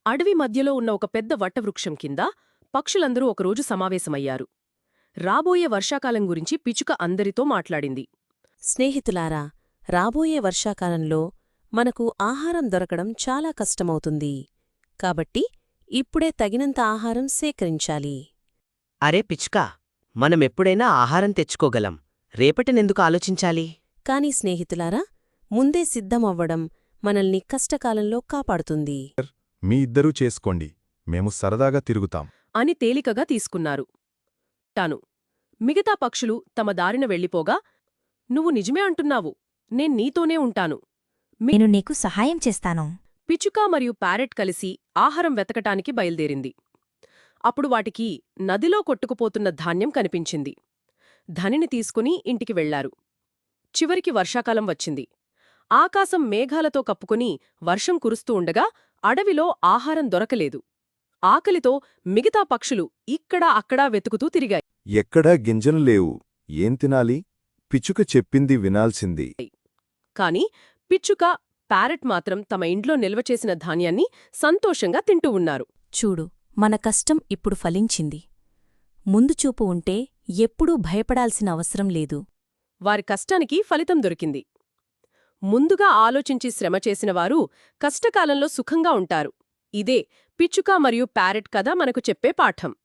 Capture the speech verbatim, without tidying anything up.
అడవి మధ్యలో ఉన్న ఒక పెద్ద వటవృక్షం కింద పక్షులందరూ ఒకరోజు సమావేశమయ్యారు. రాబోయే వర్షాకాలం గురించి పిచుక అందరితో మాట్లాడింది. స్నేహితులారా, రాబోయే వర్షాకాలంలో మనకు ఆహారం దొరకడం చాలా కష్టమవుతుంది. కాబట్టి ఇప్పుడే తగినంత ఆహారం సేకరించాలి. అరే పిచ్కా, మనమెప్పుడైనా ఆహారం తెచ్చుకోగలం. రేపటినెందుకు ఆలోచించాలి? కాని స్నేహితులారా, ముందే సిద్ధమవ్వడం మనల్ని కష్టకాలంలో కాపాడుతుంది. మీ ఇద్దరూ చేసుకోండి, మేము సరదాగా తిరుగుతాం అని తేలికగా తీసుకున్నారు. టాను మిగతా పక్షులు తమ దారిన వెళ్ళిపోగా, నువ్వు నిజమే అంటున్నావు, నేన్ నీతోనే ఉంటాను. నేను నీకు సహాయం చేస్తాను. పిచుక మరియు ప్యారెట్ కలిసి ఆహారం వెతకటానికి బయల్దేరింది. అప్పుడు వాటికి నదిలో కొట్టుకుపోతున్న ధాన్యం కనిపించింది. ధనిని తీసుకుని ఇంటికి వెళ్లారు. చివరికి వర్షాకాలం వచ్చింది. ఆకాశం మేఘాలతో కప్పుకుని వర్షం కురుస్తూ ఉండగా అడవిలో ఆహారం దొరకలేదు. ఆకలితో మిగతా పక్షులు ఇక్కడా అక్కడా వెతుకుతూ తిరిగాయి. ఎక్కడా గింజలు లేవు, ఏం తినాలి? పిచ్చుక చెప్పింది వినాల్సింది. కాని పిచ్చుక, ప్యారెట్ మాత్రం తమ ఇంట్లో నిల్వచేసిన ధాన్యాన్ని సంతోషంగా తింటూ ఉన్నారు. చూడు, మన కష్టం ఇప్పుడు ఫలించింది. ముందుచూపు ఉంటే ఎప్పుడూ భయపడాల్సిన అవసరం లేదు. వారి కష్టానికి ఫలితం దొరికింది. ముందుగా ఆలోచించి శ్రమ చేసినవారు కష్టకాలంలో సుఖంగా ఉంటారు. ఇదే పిచ్చుక మరియు ప్యారెట్ కథ మనకు చెప్పే పాఠం.